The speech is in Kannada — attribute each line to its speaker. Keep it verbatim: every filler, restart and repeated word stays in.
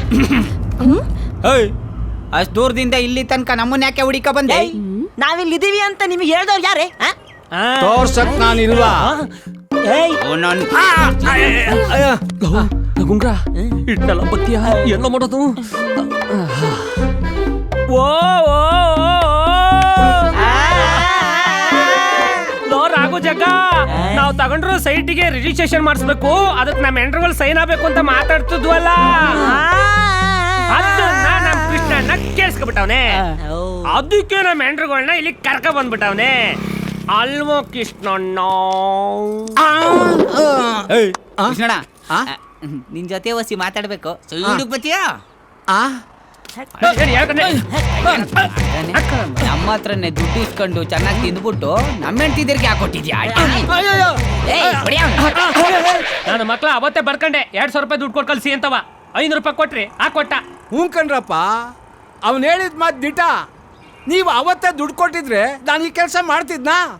Speaker 1: ಅಷ್ಟು ದೂರದಿಂದ ಇಲ್ಲಿ ತನಕ ನಮ್ಮನ್ನ ಯಾಕೆ ಹುಡಿಕ ಬಂದೆ?
Speaker 2: ನಾವಿಲ್ಲಿದ್ದೀವಿ ಅಂತ ನಿಮಗೆ ಹೇಳ್ದವ್ರು ಯಾರೇ?
Speaker 3: ತೋರ್ಸಕ್ ನಾನಿಲ್ವಾ?
Speaker 4: ಗುಂಗ್ರ ಇಟ್ನಲ್ಲ ಬತ್ತಿಯ ಎಲ್ಲ ಮಾಡೋದು. ಓ ರಾಘು ಜಗ್ಗ, ನಾವು ತಗೊಂಡ್ರು ಸೈಟಿಗೆ ರಿಜಿಸ್ಟ್ರೇಷನ್ ಮಾಡಿಸ್ಬೇಕು, ಅದಕ್ಕೆ ನಮ್ಮ ಎಂಟ್ರುಗಳು ಸೈನ್ ಆಗ್ಬೇಕು ಅಂತ ಮಾತಾಡ್ತಿದ್ವಲ್ಲ, ಅದನ್ನ ನಮ್ ಕೃಷ್ಣಣ್ಣ ಕೇಳಿಸ್ಕೊಬಿಟ್ಟವನೆ. ಅದಕ್ಕೆ ನಮ್ಮ ಎಂಟ್ರುಗಳನ್ನ ಇಲ್ಲಿ ಕರ್ಕ ಬಂದ್ಬಿಟ್ಟವನೆ ಅಲ್ವೋ ಕೃಷ್ಣಣ್ಣ?
Speaker 1: ಕೃಷ್ಣಣ್ಣ, ನಿನ್ ಜೊತೆ ಒಸಿ ಮಾತಾಡ್ಬೇಕು. ಬತ್ತೀಯಾ? ನಮ್ಮ ಹತ್ರನೇ ದುಡ್ಡು ಇಸ್ಕೊಂಡು ಚೆನ್ನಾಗಿ ತಿಂದ್ಬಿಟ್ಟು ನಮ್ಮ ಹೆಂಡ್ತಿದ್ರಿಗೆ ಯಾಕೆ ಕೊಟ್ಟಿದ್ಯಾ?
Speaker 4: ನಾನು ಮಕ್ಳ ಅವತ್ತೇ ಬರ್ಕಂಡೆ ಎರಡ್ ಸಾವಿರ ರೂಪಾಯಿ ದುಡ್ಡು ಕೊಟ್ಟು ಕಳ್ಸಿ ಅಂತವ. ಐನೂರು ರೂಪಾಯಿ ಕೊಟ್ರಿ, ಆ ಕೊಟ್ಟ.
Speaker 3: ಹ್ಞೂ ಕಣ್ರಪ್ಪ, ಅವ್ನು ಹೇಳಿದ ಮಾತು ದಿಟ. ನೀವು ಅವತ್ತೇ ದುಡ್ಡು ಕೊಟ್ಟಿದ್ರೆ ನಾನು ಈ ಕೆಲಸ ಮಾಡ್ತಿದ್ನಾ?